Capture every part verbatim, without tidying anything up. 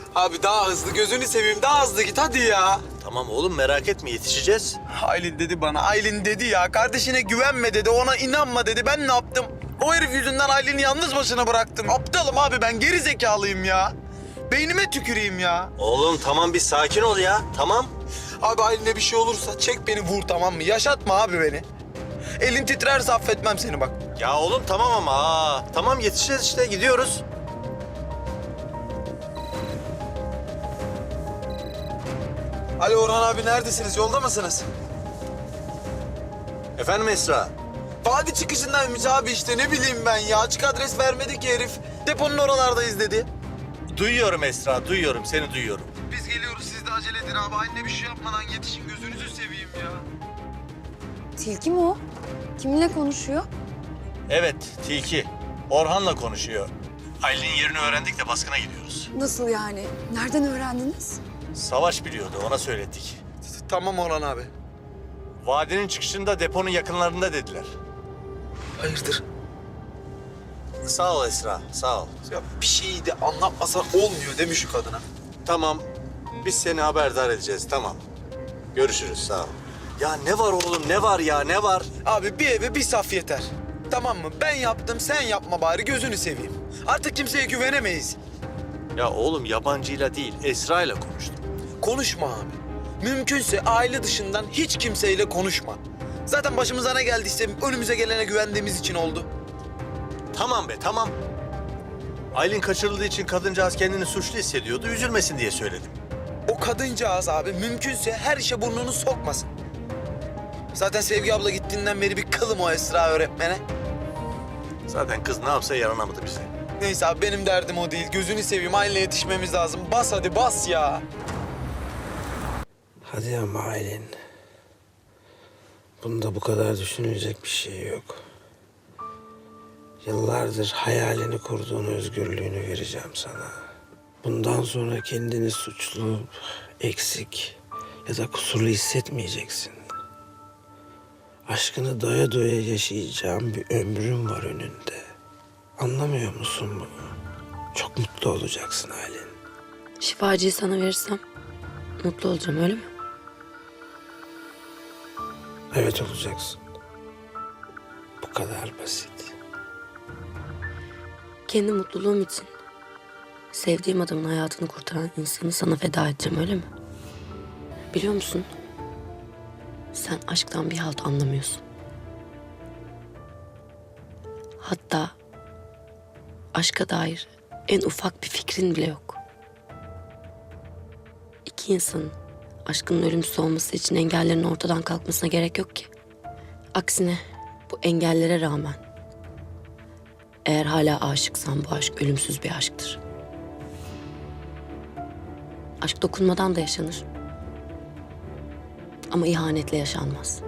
Abi daha hızlı, gözünü seveyim, daha hızlı git hadi ya. Tamam oğlum merak etme yetişeceğiz. Aylin dedi bana, Aylin dedi ya. Kardeşine güvenme dedi, ona inanma dedi. Ben ne yaptım? O herif yüzünden Aylin'i yalnız başına bıraktım. Aptalım abi ben, geri zekalıyım ya. Beynime tüküreyim ya. Oğlum tamam bir sakin ol ya tamam. Abi Aylin'e bir şey olursa çek beni vur, tamam mı? Yaşatma abi beni. Elin titrerse affetmem seni bak. Ya oğlum tamam ama aa, tamam yetişeceğiz işte gidiyoruz. Alo Orhan abi, neredesiniz? Yolda mısınız? Efendim Esra? Vadi çıkışındaymış abi işte, ne bileyim ben ya. Açık adres vermedi ki herif. Deponun oralardayız dedi. Duyuyorum Esra duyuyorum seni duyuyorum. Biz geliyoruz, siz de acele edin abi. Anne bir şey yapmadan yetişin, gözünüzü seveyim ya. Tilki mi o? Kiminle konuşuyor? Evet Tilki. Orhan'la konuşuyor. Aylin'in yerini öğrendik de baskına gidiyoruz. Nasıl yani? Nereden öğrendiniz? Savaş biliyordu ona söyledik. Tamam Orhan abi. Vadinin çıkışında deponun yakınlarında dediler. Hayırdır? Sağ ol Esra sağ ol. Ya bir şeyi de anlatmasan olmuyor değil mi şu kadına? Tamam biz seni haberdar edeceğiz tamam. Görüşürüz sağ ol. Ya ne var oğlum ne var ya ne var? Abi bir eve bir saf yeter. Tamam mı? Ben yaptım, sen yapma bari, gözünü seveyim. Artık kimseye güvenemeyiz. Ya oğlum yabancıyla değil Esra'yla konuştum. Konuşma abi. Mümkünse aile dışından hiç kimseyle konuşma. Zaten başımıza ne geldiyse önümüze gelene güvendiğimiz için oldu. Tamam be tamam. Aylin kaçırıldığı için kadıncağız kendini suçlu hissediyordu. Üzülmesin diye söyledim. O kadıncağız abi mümkünse her işe burnunu sokmasın. Zaten Sevgi abla gittiğinden beri bir kılım o Esra öğretmene. Zaten kız ne yapsa yaranamadı bize. Neyse abi, benim derdim o değil. Gözünü seveyim, aileye yetişmemiz lazım. Bas hadi bas ya. Hadi ama Aylin. Bunda bu kadar düşünecek bir şey yok. Yıllardır hayalini kurduğun özgürlüğünü vereceğim sana. Bundan sonra kendini suçlu, eksik ya da kusurlu hissetmeyeceksin. Aşkını doya doya yaşayacağın bir ömrün var önünde. Anlamıyor musun bunu? Çok mutlu olacaksın Aylin. Şifacıyı sana verirsem mutlu olacağım öyle mi? Evet olacaksın. Bu kadar basit. Kendi mutluluğum için sevdiğim adamın hayatını kurtaran insanı sana feda edeceğim öyle mi? Biliyor musun? Sen aşktan bir halt anlamıyorsun. Hatta aşka dair en ufak bir fikrin bile yok. İki insanın aşkının ölümsüz olması için engellerin ortadan kalkmasına gerek yok ki. Aksine bu engellere rağmen eğer hala aşıksan bu aşk ölümsüz bir aşktır. Aşk dokunmadan da yaşanır. Ama ihanetle yaşanmaz.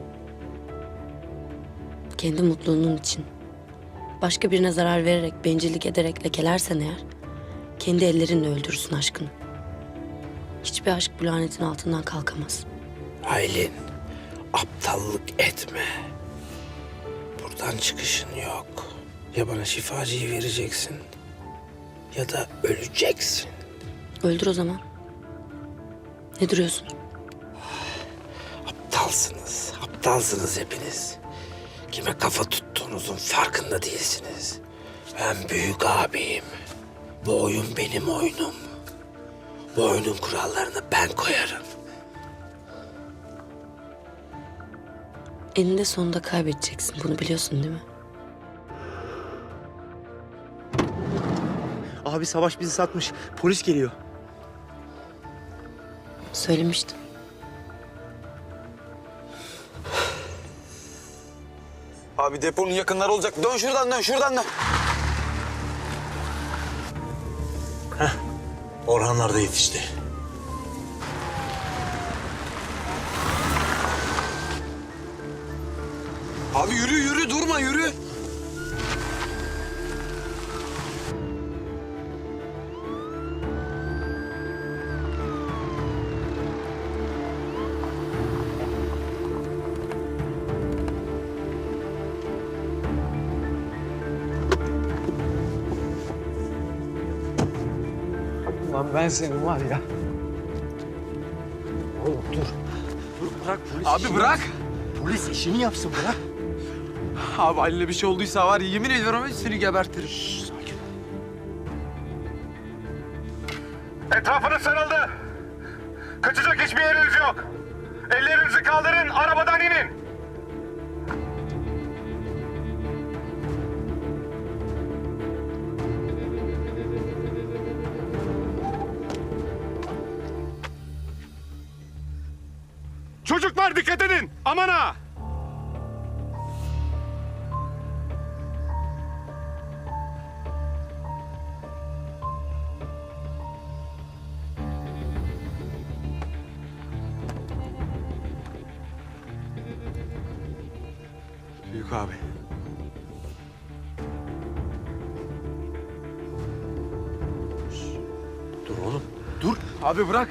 Kendi mutluluğunun için başka birine zarar vererek, bencillik ederek lekelersen eğer kendi ellerinle öldürürsün aşkını. Hiçbir aşk bu lanetin altından kalkamaz. Aylin, aptallık etme. Buradan çıkışın yok. Ya bana şifacıyı vereceksin ya da öleceksin. Öldür o zaman. Ne duruyorsun? Aptalsınız, aptalsınız hepiniz. Kime kafa tuttuğunuzun farkında değilsiniz. Ben büyük abiyim. Bu oyun benim oyunum. Bu oyunun kurallarını ben koyarım. Eninde sonunda kaybedeceksin. Bunu biliyorsun değil mi? Abi Savaş bizi satmış. Polis geliyor. Söylemiştim. Abi deponun yakınları olacak. Dön şuradan, dön şuradan dön. Orhanlar da yetişti. Abi yürü yürü, durma yürü. Lan ben senin var ya. Oğlum dur. Dur bırak polis Abi işini bırak. yapsın. Polis işini yapsın bırak. Abi Halil'e bir şey olduysa var ya, yemin ediyorum seni gebertirim. Sakin ol. Etrafınız sarıldı. Kaçacak hiçbir yeriniz yok. Ellerinizi kaldırın, arabadan inin. Çocuklar dikkat edin, aman ha! Büyük abi. Dur oğlum. Dur. Abi bırak.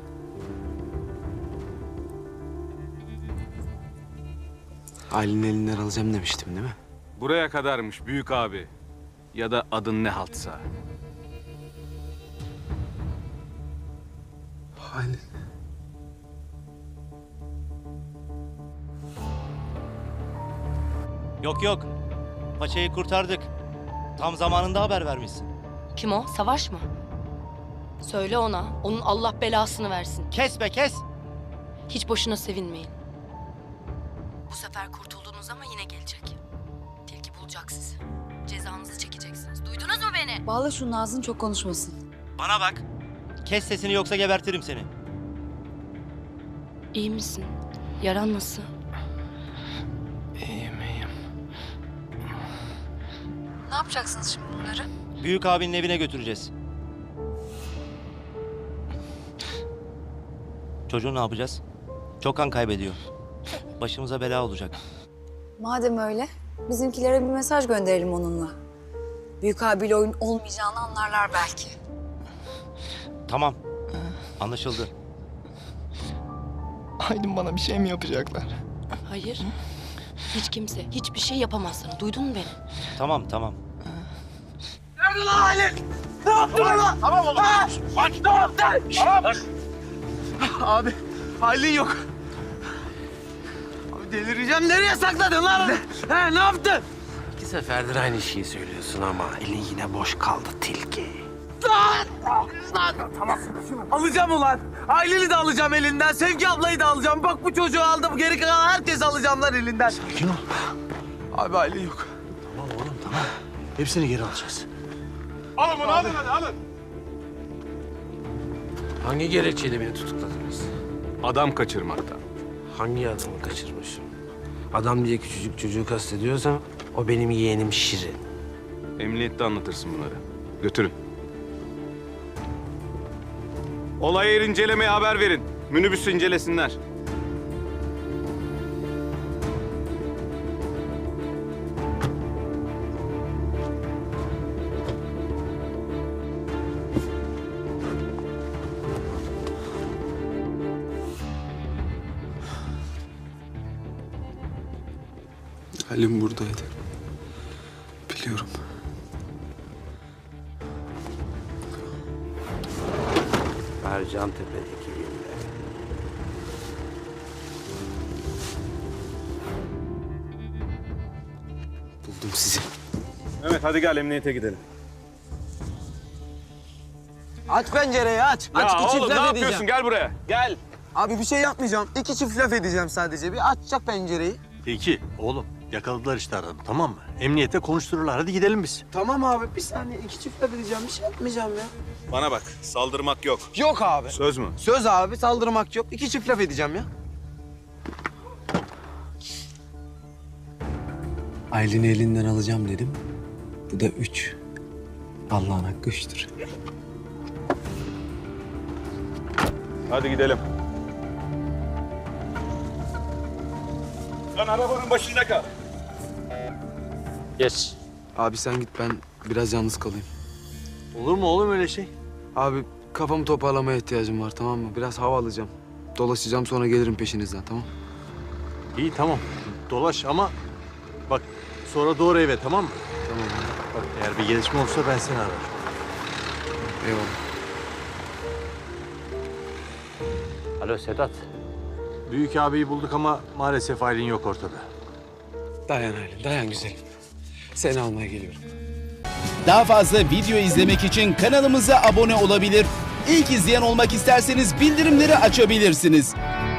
Ailenin elinden alacağım demiştim değil mi? Buraya kadarmış büyük abi. Ya da adın ne haltsa. Halil. Yok yok. Paçayı kurtardık. Tam zamanında haber vermişsin. Kim o? Savaş mı? Söyle ona. Onun Allah belasını versin. Kes be kes. Hiç boşuna sevinmeyin. Bu sefer kurtuldunuz ama yine gelecek. Tilki bulacak sizi. Cezanızı çekeceksiniz. Duydunuz mu beni? Bağla şunun ağzını, çok konuşmasın. Bana bak. Kes sesini yoksa gebertirim seni. İyi misin? Yaran nasıl? İyiyim iyiyim. Ne yapacaksınız şimdi bunları? Büyük abinin evine götüreceğiz. Çocuğu ne yapacağız? Çok kan kaybediyor. Başımıza bela olacak. Madem öyle, bizimkilere bir mesaj gönderelim onunla. Büyük abiyle oyun olmayacağını anlarlar belki. Tamam. Anlaşıldı. Aydın bana bir şey mi yapacaklar? Hayır. Hiç kimse hiçbir şey yapamaz sana. Duydun mu beni? Tamam tamam. Abi Halil yok. Abi delireceğim. Nereye sakladın lan? He, ne yaptın? İki seferdir aynı şeyi söylüyorsun ama elin yine boş kaldı tilki. Alacağım ulan. Halil'i de alacağım elinden. Sevgi ablayı da alacağım. Bak bu çocuğu aldım. Geri kalan herkesi alacağım lan elinden. Sakin ol. Abi Halil yok. Tamam oğlum tamam. Hepsini geri alacağız. Alın bunu, alın hadi, alın. Hangi gerekçeyle beni tutukladınız? Adam kaçırmaktan. Hangi adamı kaçırmışım? Adam diye küçücük çocuğu kastediyorsam o benim yeğenim Şirin. Emniyette anlatırsın bunları. Götürün. Olay yeri incelemeye haber verin. Minibüsü incelesinler. Halim buradaydı. Biliyorum. Ercan Tepe'deki villa. Buldum sizi. Evet hadi gel emniyete gidelim. Aç pencereyi aç. Ya aç iki çift oğlum ne laf yapıyorsun? edeceğim. Gel buraya. Gel. Abi bir şey yapmayacağım. İki çift laf edeceğim sadece. Bir açacak pencereyi. Peki oğlum yakaladılar işte adamı tamam mı? Emniyete konuştururlar hadi gidelim biz. Tamam abi bir saniye. iki çift laf edeceğim. Bir şey yapmayacağım ya. Bana bak saldırmak yok. Yok abi. Söz mü? Söz abi, saldırmak yok. İki çift laf edeceğim ya. Aylin'i elinden alacağım dedim. Bu da üç. Allah'ın hakkı üçtür. Hadi gidelim. Sen arabanın başında kal. Geç. Abi sen git, ben biraz yalnız kalayım. Olur mu oğlum öyle şey? Abi kafamı toparlamaya ihtiyacım var, tamam mı? Biraz hava alacağım. Dolaşacağım, sonra gelirim peşinizden, tamam? İyi tamam dolaş ama bak sonra doğru eve tamam mı? Tamam abi. Bak eğer bir gelişme olursa ben seni ararım. Eyvallah. Alo Sedat. Büyük abiyi bulduk ama maalesef Aylin yok ortada. Dayan Aylin, dayan güzelim. Seni almaya geliyorum. Daha fazla video izlemek için kanalımıza abone olabilir. İlk izleyen olmak isterseniz bildirimleri açabilirsiniz.